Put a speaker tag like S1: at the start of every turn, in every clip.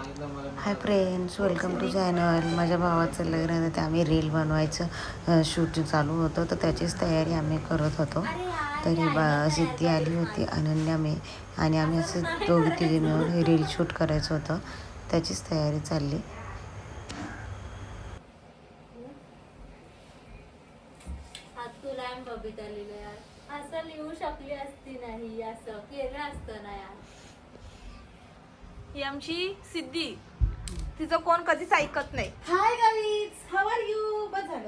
S1: High friends, welcome to channel. माझ्या भावाचं लग्न आहे तर आम्ही रील बनवायचं शूट चालू होतं, तर त्याचीच तयारी आम्ही करत होतो. तरी सिद्धी आली होती, अनन्या मी आणि आम्ही असं दोघी तिघी मिळून रील शूट करायचं होतं, त्याचीच तयारी चालली.
S2: असं लिहू शकली असती नाही, असं केलं असतं ना यार.
S3: ही आमची सिद्धी, तिचं कोण कधीच ऐकत नाही.
S4: Hi guys, how are you? बस झालं.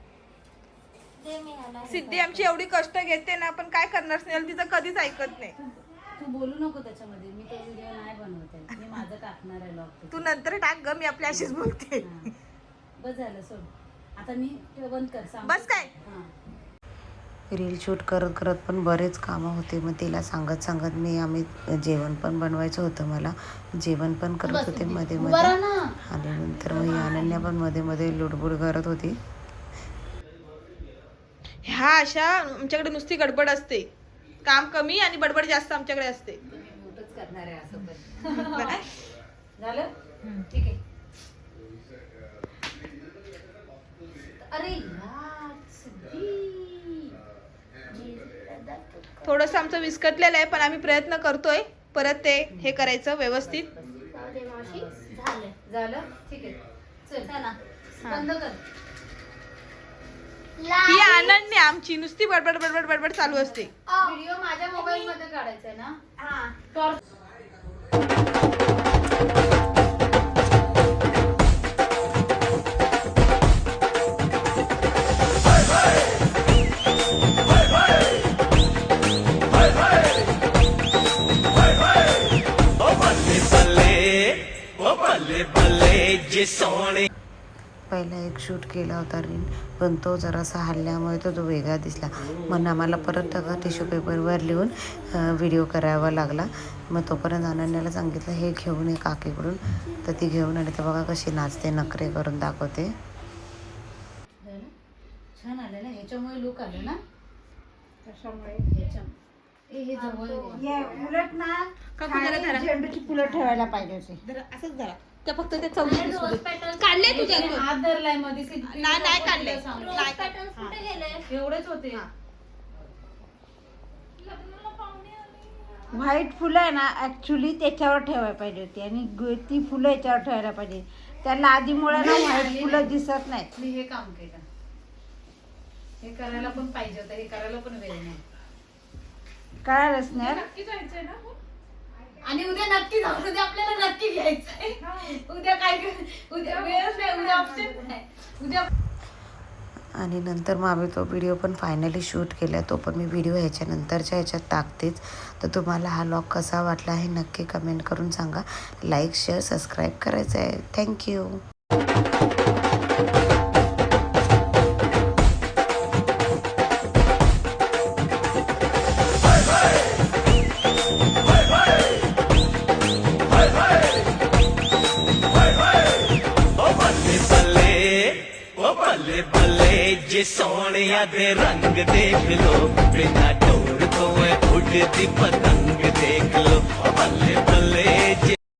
S3: सिद्धी आमची एवढी कष्ट घेते ना, पण काय करणार स्नेहल, तिचं कधीच ऐकत नाही.
S4: तू बोलू नको त्याच्यामध्ये. मी तो व्हिडिओ नाही बनवते, मी माझं टाकणार आहे लॉग.
S3: तू नंतर टाक ग, मी आपल्या अशीच बोलते.
S4: बस झालं, सोड. आता मी ते बंद कर, सांग.
S3: बस काय?
S1: रील शूट करत करत पण बरेच कामं होते. मग तिला सांगत आम्ही जेवण पण बनवायचं होतं. मला जेवण पण करत होते मध्ये मध्ये, आणि नंतर मग ही अनन्या पण मध्ये मध्ये लुडबुड करत होती.
S3: ह्या अशा आमच्याकडे नुसती गडबड असते, काम कमी आणि बडबड जास्त आमच्याकडे असते.
S4: म्यूटच करणार आहे असं पण. झालं? ठीक आहे. अरे यार, सिद्धी.
S3: थोडस आमचं विस्कटलेलं आहे, पण आम्ही प्रयत्न करतोय परत ते हे करायचं व्यवस्थित.
S4: झालं? ठीक आहे. चल बंद कर.
S3: ही अनन्या आमची नुसती बडबड बडबड बडबड चालू असते.
S4: व्हिडिओ माझ्या मोबाईल मध्ये काढायचा आहे ना. टॉर्च.
S1: पहिला एक शूट केला होता रील, पण तो जरासा हल्ल्यामुळे तो वेगळा दिसला. म्हणून आम्हाला परत टिश्यू पेपरवर लिहून व्हिडिओ करावा लागला. मग तोपर्यंत अनन्याला सांगितलं हे घेऊन ये काकीकडून, तर ती घेऊन आली. तर बघा कशी नाचते, नखरे करून दाखवते.
S4: छान आलं ना, ह्याच्यामुळे लुक आलं ना.
S2: त्याच्यामुळे
S4: हे जवळ
S2: उलट ना
S3: झेंडूची
S2: फुलं ठेवायला पाहिजे होते.
S3: असंच जरा त्या फक्त ते चौथी काढले तुझ्या
S4: हात धरलाय मध्ये.
S3: नाही काढले.
S4: एवढेच होते.
S2: व्हाईट फुलं आहे ना, ऍक्च्युली त्याच्यावर ठेवायला पाहिजे होती, आणि ती फुलं याच्यावर ठेवायला पाहिजे. त्याला आधीमुळे ना व्हाईट फुलं दिसत नाहीत.
S4: मी हे काम केलं, हे करायला पण पाहिजे होतं, हे करायला पण वेळ नाही.
S2: कळालंच नाही.
S4: आणि उद्या नक्की जाऊ, उद्या आपल्याला नक्की घ्यायचंय. उद्या काय उद्या वेळच नाही, उद्या ऑप्शन नाही उद्या.
S1: आणि नंतर मग आम्ही तो व्हिडिओ पण फायनली शूट केला. तो पण मी व्हिडिओ ह्याच्यानंतरच्या ह्याच्यात टाकतेच. तर तुम्हाला हा व्लॉग कसा वाटला हे नक्की कमेंट करून सांगा. लाईक, शेअर, सबस्क्राईब करायचं आहे. थँक्यू.
S5: ਬੱਲੇ ਬੱਲੇ ਜੇ ਸੋਹਣਿਆ ਦੇ ਰੰਗ ਦੇਖ ਲੋ, ਬਿਨਾ ਢੋਲ ਤੋਂ ਉੱਡਦੀ ਪਤੰਗ ਦੇਖ ਲੋ। ਬੱਲੇ ਬੱਲੇ